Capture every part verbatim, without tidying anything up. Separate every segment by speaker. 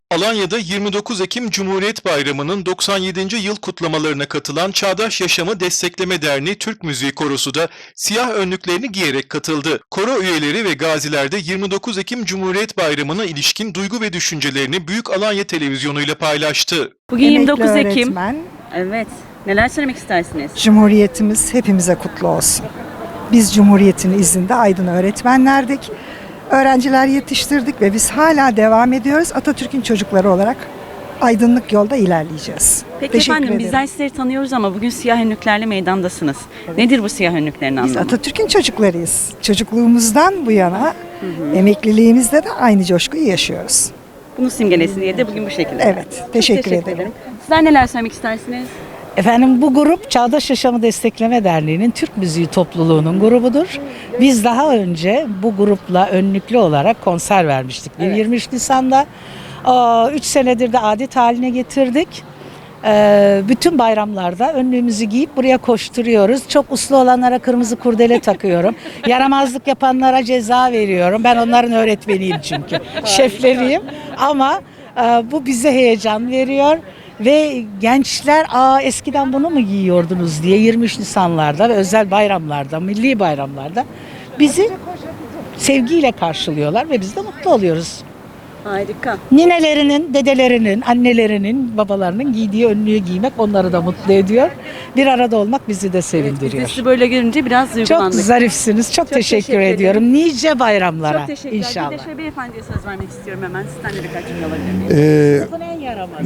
Speaker 1: Alanya'da yirmi dokuz Ekim Cumhuriyet Bayramı'nın doksan yedinci yıl kutlamalarına katılan Çağdaş Yaşamı Destekleme Derneği Türk Müziği Korosu da siyah önlüklerini giyerek katıldı. Koro üyeleri ve gaziler de yirmi dokuz Ekim Cumhuriyet Bayramı'na ilişkin duygu ve düşüncelerini Büyük Alanya Televizyonu ile paylaştı.
Speaker 2: Bugün yirmi dokuz
Speaker 3: Emekli
Speaker 2: Ekim.
Speaker 3: öğretmen,
Speaker 2: Evet. Neler söylemek istersiniz?
Speaker 3: Cumhuriyetimiz hepimize kutlu olsun. Biz Cumhuriyet'in izinde aydın öğretmenlerdik. Öğrenciler yetiştirdik ve biz hala devam ediyoruz. Atatürk'ün çocukları olarak aydınlık yolda ilerleyeceğiz.
Speaker 2: Peki
Speaker 3: Teşekkür
Speaker 2: efendim,
Speaker 3: ederim.
Speaker 2: bizler sizleri tanıyoruz ama bugün siyah önlüklerle meydandasınız. Nedir bu siyah önlüklerin
Speaker 3: Biz
Speaker 2: anlamı?
Speaker 3: Atatürk'ün çocuklarıyız. Çocukluğumuzdan bu yana emekliliğimizde de aynı coşkuyu yaşıyoruz.
Speaker 2: Bunu simgelesin diye de bugün bu şekilde.
Speaker 3: Evet,
Speaker 2: Çok
Speaker 3: teşekkür ederim.
Speaker 2: Sizler neler söylemek istersiniz?
Speaker 4: Efendim, bu grup Çağdaş Yaşamı Destekleme Derneği'nin Türk Müziği topluluğunun grubudur. Biz daha önce bu grupla önlüklü olarak konser vermiştik.
Speaker 2: Evet.
Speaker 4: yirmi üç Nisan'da üç senedir de adet haline getirdik. Ee, bütün bayramlarda önlüğümüzü giyip buraya koşturuyoruz. Çok uslu olanlara kırmızı kurdele takıyorum. Yaramazlık yapanlara ceza veriyorum. Ben onların öğretmeniyim çünkü. Şefleriyim. Ama e, bu bize heyecan veriyor. Ve gençler, aa eskiden bunu mu giyiyordunuz diye yirmi üç Nisanlarda ve özel bayramlarda, milli bayramlarda bizi sevgiyle karşılıyorlar ve biz de mutlu oluyoruz.
Speaker 2: Harika.
Speaker 4: Ninelerinin, dedelerinin, annelerinin, babalarının giydiği önlüğü giymek onları da mutlu ediyor. Bir arada olmak bizi de
Speaker 2: Evet, biz de
Speaker 4: sevindiriyor.
Speaker 2: sizi böyle görünce biraz
Speaker 4: Çok
Speaker 2: duygulandık.
Speaker 4: zarifsiniz. Çok,
Speaker 2: Çok
Speaker 4: teşekkür,
Speaker 2: teşekkür
Speaker 4: ediyorum. Nice bayramlara
Speaker 2: Çok teşekkürler.
Speaker 4: inşallah.
Speaker 2: Bir de şöyle beyefendiye söz vermek istiyorum hemen. Sizden de birkaç cümle alabilir miyim?
Speaker 5: Ee,
Speaker 4: Sınıfın en yaramaz.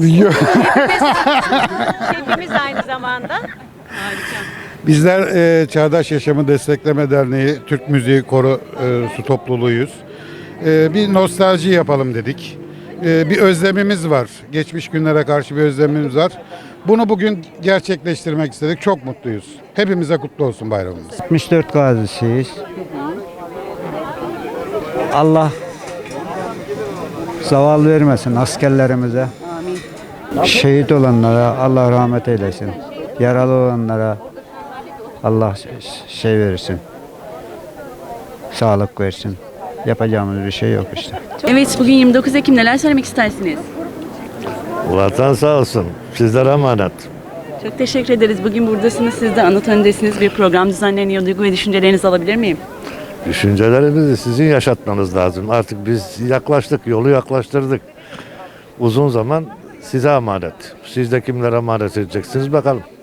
Speaker 2: Şefimiz aynı zamanda. Harika.
Speaker 5: bizler e, Çağdaş Yaşamı Destekleme Derneği Türk Müziği Koro e, su topluluğuyuz. E, bir nostalji yapalım dedik. E, bir özlemimiz var. Geçmiş günlere karşı bir özlemimiz var. Bunu bugün gerçekleştirmek istedik. Çok mutluyuz. Hepimize kutlu olsun bayramımız.
Speaker 6: altmış dört gazisiyiz. Allah zaval vermesin askerlerimize.
Speaker 2: Amin.
Speaker 6: Şehit olanlara Allah rahmet eylesin. Yaralı olanlara Allah şey versin. Sağlık versin. Yapacağımız bir şey yok işte.
Speaker 2: Evet, bugün yirmi dokuz Ekim, neler söylemek istersiniz?
Speaker 7: Vatan sağ olsun. Sizlere emanet.
Speaker 2: Çok teşekkür ederiz. Bugün buradasınız. Siz de anıt öndesiniz. Bir program düzenleniyor. Duygu ve düşüncelerinizi alabilir miyim?
Speaker 7: Düşüncelerimizi sizin yaşatmanız lazım. Artık biz yaklaştık, yolu yaklaştırdık. Uzun zaman size emanet. Siz de kimlere emanet edeceksiniz bakalım.